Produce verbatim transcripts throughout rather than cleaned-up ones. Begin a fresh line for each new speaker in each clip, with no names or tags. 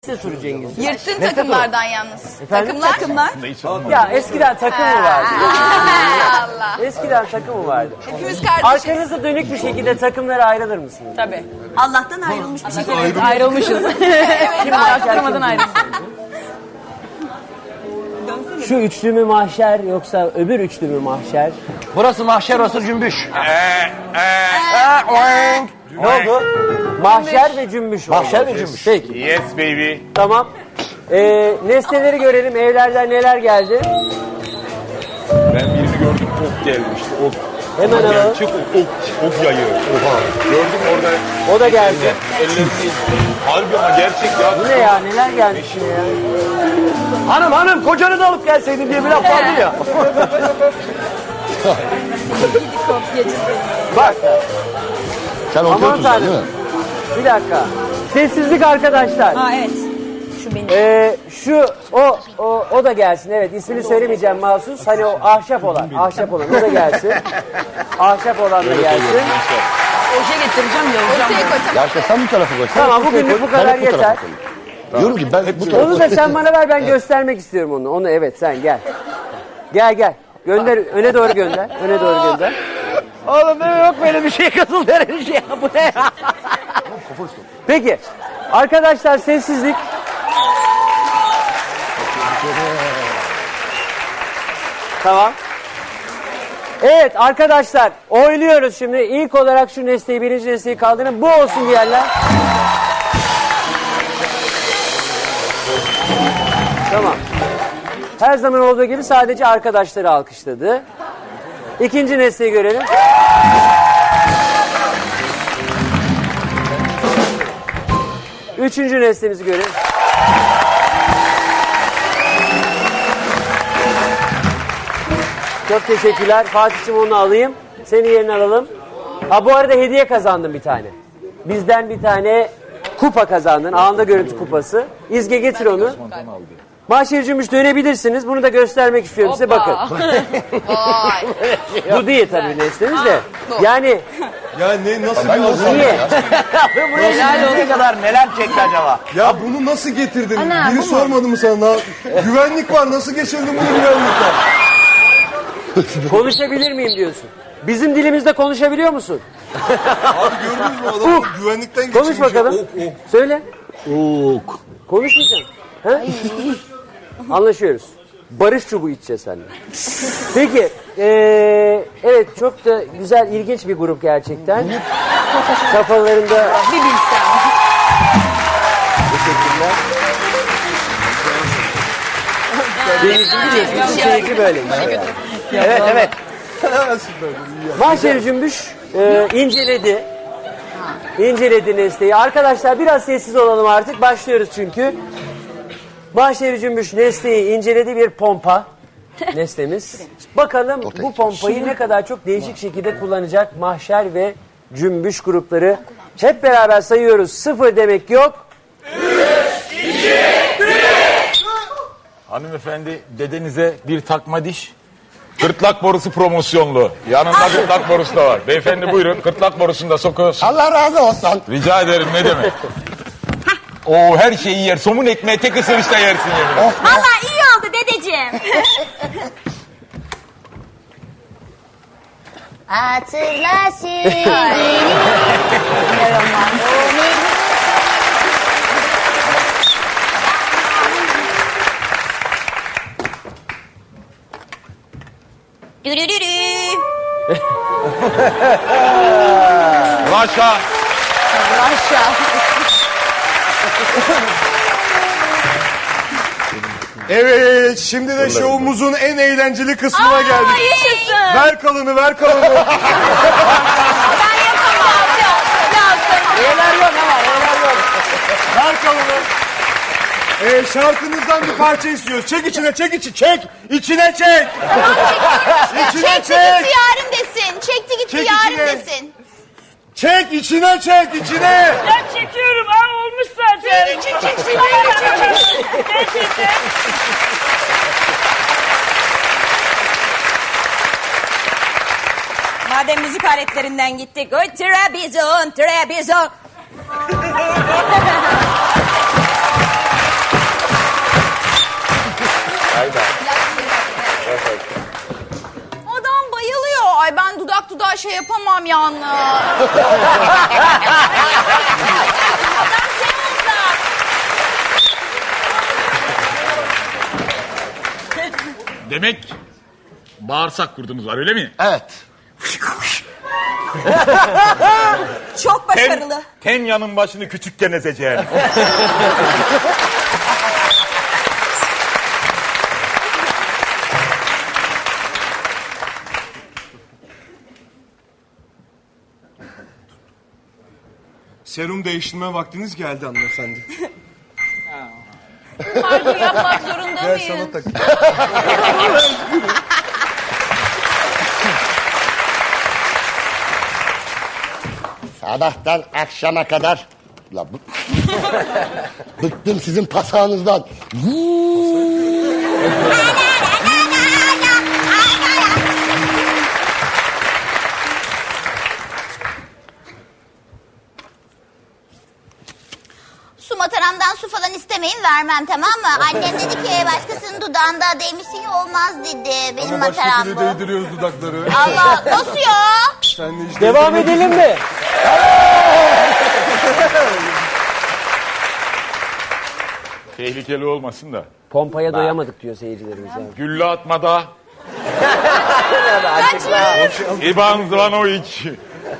turu Cengiz.
Yırttın takımlardan yalnız.
Efendim?
Takımlar.
Takımlar. Ya eskiden takım mı vardı?
Allah.
Eskiden takım mı vardı?
Hepimiz kardeşiz.
Arkanıza dönük bir şekilde takımlara ayrılır mısınız?
Tabii.
Allah'tan ayrılmış bir şekilde.
Evet, ayrılmışız.
Kim mahşer,
Durmadan
kim
ayrılmışız.
Şu üçlü mü mahşer yoksa öbür üçlü mü mahşer?
Burası mahşer, orası cümbüş.
Ne oldu? Mahşer ve cümbüş oldu.
Mahşer ve cümbüş.
Peki.
Yes baby.
Tamam. Ee, nesneleri görelim. Evlerden neler geldi?
Ben birini gördüm, ok gelmişti. Ok.
Hemen alalım.
Gerçek ok, ok, ok yayı. Oha. Gördüm orada.
O da geldi.
Ellerini. Harbi ama gerçek ya.
Bu ne ya? Neler gelmiş yine ya?
Hanım hanım kocanı da alıp gelseydin diye bir laf vardı ya.
Bak.
Sen
Aman
ortaya oturacaksın değil
tanrım.
mi?
Bir dakika. Sessizlik arkadaşlar.
Ha evet. Şu benim.
Ee, şu o, o o da gelsin. Evet, ismini söylemeyeceğim mahsus. Hani o ahşap olan, ahşap olan o da gelsin. Ahşap olan da gelsin.
Oje getireceğim yazacağım.
Ortaya koy.
Ya işte sen bu tarafa koy. Sen
Tamam,
ortaya
bugünlük
koy,
bu kadar
ben tarafa
yeter.
koyayım. Diyorum ki ben bu tarafa
Onu da sen bana ver, ben göstermek istiyorum onu. Onu evet, sen gel. Gel gel. Gönder, öne doğru gönder. Öne doğru gönder.
Oğlum benim yok böyle bir şey katıl denen şey ya. Bu ne ya?
Peki. Arkadaşlar sessizlik. Tamam. Evet arkadaşlar oynuyoruz şimdi. İlk olarak şu nesneyi, birinci nesneyi kaldırın. Bu olsun diyenler. Tamam. Her zaman olduğu gibi sadece arkadaşları alkışladı. İkinci nesneyi görelim. Üçüncü nesnemizi görelim. Çok teşekkürler. Fatih'cim onu alayım. Seni yerine alalım. Ha bu arada hediye kazandın bir tane. Bizden bir tane kupa kazandın. Anında görüntü kupası. İzge getir onu. Mahşer Cümbüş dönebilirsiniz. Bunu da göstermek istiyorum size. Bakın.
Vay.
Bu değil tabii nesnemiz de. Yani
Ya ne nasıl bir azam?
niye?
Helal olsun kadar neler çekti acaba?
Ya bunu nasıl getirdin? Biri sormadı mı sana? Güvenlik var, nasıl geçirdin bunu güvenlikten?
Konuşabilir miyim diyorsun. Bizim dilimizde konuşabiliyor musun?
Abi gördünüz mü adamı güvenlikten geçirmiş.
Konuş bakalım.
Ok, ok.
Söyle.
Ok.
Konuşmayacağım. Ha? Anlaşıyoruz. Barış çubuğu içeceğiz seninle. Peki. Ee, evet çok da güzel, ilginç bir grup gerçekten. Kafalarında...
Bir bilsem.
Teşekkürler. Deniz'in biliyorsunuz bu keyfi böyle.
Evet evet.
Mahşer Cümbüş e, inceledi. İnceledi nesneyi. Arkadaşlar biraz sessiz olalım artık. Başlıyoruz çünkü. Mahşer Cümbüş nesneyi inceledi, bir pompa nesnemiz. Bakalım bu pompayı ne kadar çok değişik şekilde kullanacak Mahşer ve Cümbüş grupları. Hep beraber sayıyoruz. Sıfır demek yok.
Hanımefendi dedenize bir takma diş. Gırtlak borusu promosyonlu. Yanında gırtlak borusu da var. Beyefendi buyurun, gırtlak borusunu da sokuyorsun.
Allah razı olsun.
Rica ederim, ne demek. Oo, her şeyi yer. Somun ekmeği tek ısırışta yersin yemin.
Valla iyi oldu dedeciğim. Hatırlasın. Dürürürü.
Raşa.
Evet, şimdi de şovumuzun en eğlenceli kısmına geldik.
Yaşasın.
Ver kalını, ver kalını.
Ben yapamam. Lazım.
Neler yok ama neler yok.
Ver kalını. Ee, şarkınızdan bir parça istiyoruz. Çek içine, çek içi, çek. İçine çek. İçine
Çekti
çek.
gitti yarım desin. Çekti gitti
Çek
yarım
içine.
desin.
Çek, içine çek, içine.
Ben çekiyorum. Aa olmuş zaten.
Senin için çeksin.
Gerçekten. Madem müzik aletlerinden gittik. Oy Trabzon, Trabzon.
şey yapamam yalnız.
Demek bağırsak kurdunuz var öyle mi?
Evet.
Çok başarılı.
Ten yanın başını küçükken ezeceğim.
Serum değiştirme vaktiniz geldi hanımefendi.
Kargo yapmak zorunda
Gel
mıyım?
sana tak.
Sabahtan akşama kadar. La bu... Bıktım sizin pasağınızdan.
Su mataramdan su falan istemeyin, vermem, tamam mı? Annem dedi ki başkasının dudağında değmişsin ya, olmaz dedi. Benim
Ama başka
mataram
türlü
bu.
değdiriyoruz dudakları.
Allah, nasıl ya?
Sen de işte
Devam edelim mi?
Tehlikeli olmasın da.
Pompaya doyamadık diyor seyircilerimiz. Yani.
Gülle atmada. İvan Zvanovic.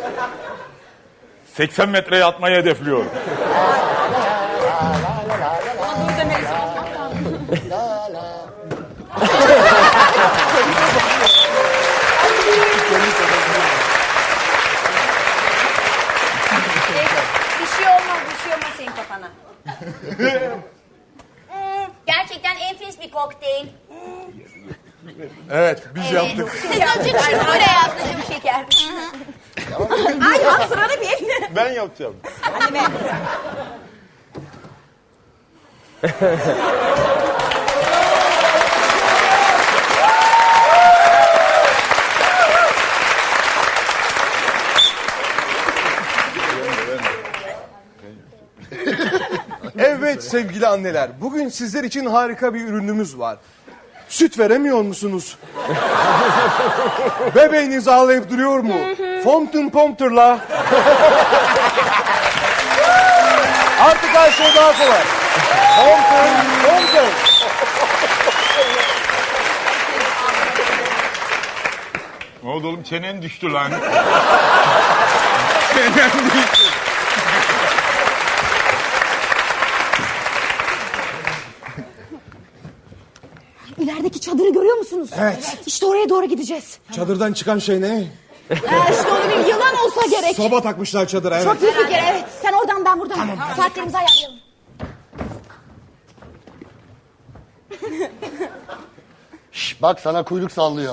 seksen metreye atmayı hedefliyor.
Bir şey olmaz, bir şey olmaz senin kafana. Hmm, gerçekten enfes bir kokteyl.
Evet biz yaptık.
Siz azıcık şunu buraya yaptım şeker.
Ay al sıranı bir.
Ben yapacağım.
Evet sevgili anneler, bugün sizler için harika bir ürünümüz var. Süt veremiyor musunuz? Bebeğiniz ağlayıp duruyor mu? Fountain Prompter'la. Artık her şey daha kolay. Fountain Prompter.
Ne oldu oğlum çenen düştü lan. Çenen düştü.
İlerideki çadırı görüyor musunuz?
Evet.
İşte oraya doğru gideceğiz.
Çadırdan çıkan şey ne?
Ha, işte onu bir yılan olsa gerek.
Soba takmışlar çadıra, evet.
Çok iyi fikir, evet. Sen oradan, ben buradan. Saatlerimizi ayarlayalım.
Şş, bak sana kuyruk sallıyor.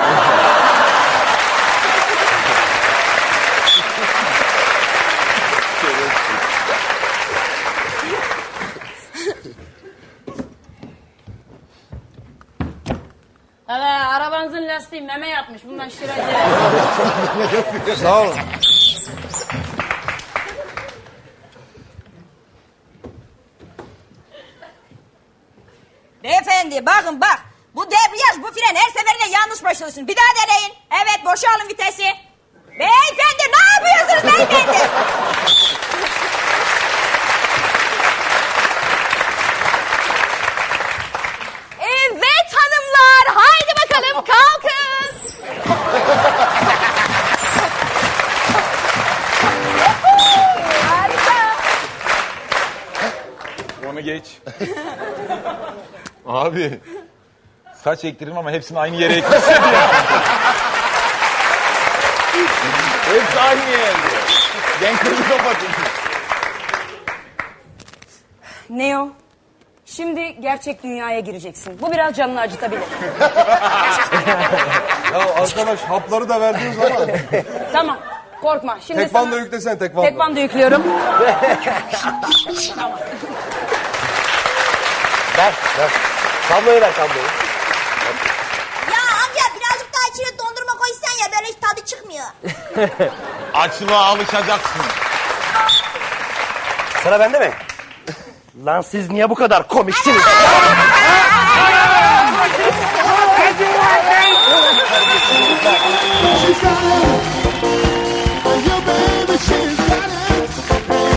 Evet, arabanızın lastiği meme yapmış. Bundan şiracı.
Sağ olun.
Beyefendi bakın bak. Bu debriyaj, bu fren her seferinde yanlış başlıyorsun. Bir daha deneyin. Evet, boşalın vitesi. Beyefendi ne yapıyorsunuz beyefendi?
Evet hanımlar, haydi bakalım kalkın.
Harika.
Onu geç. Abi. Saç ektirdim ama hepsini aynı yere ekmişsin ya. Hepsi aynı yerde. Ben kırmızı kapatayım.
Neo, şimdi gerçek dünyaya gireceksin. Bu biraz canını acıtabilir.
Ya arkadaş hapları da verdiniz ama.
Tamam, korkma. Şimdi
Tekvando
sana...
yüklesene tekvando.
Tekvando yüklüyorum.
Ver, ver.
Kabloyu ver kabloyu.
Ya amca birazcık daha içine dondurma koysan ya, böyle hiç tadı çıkmıyor.
Açlığa alışacaksın.
Sıra bende mi? Lan siz niye bu kadar komiksiniz?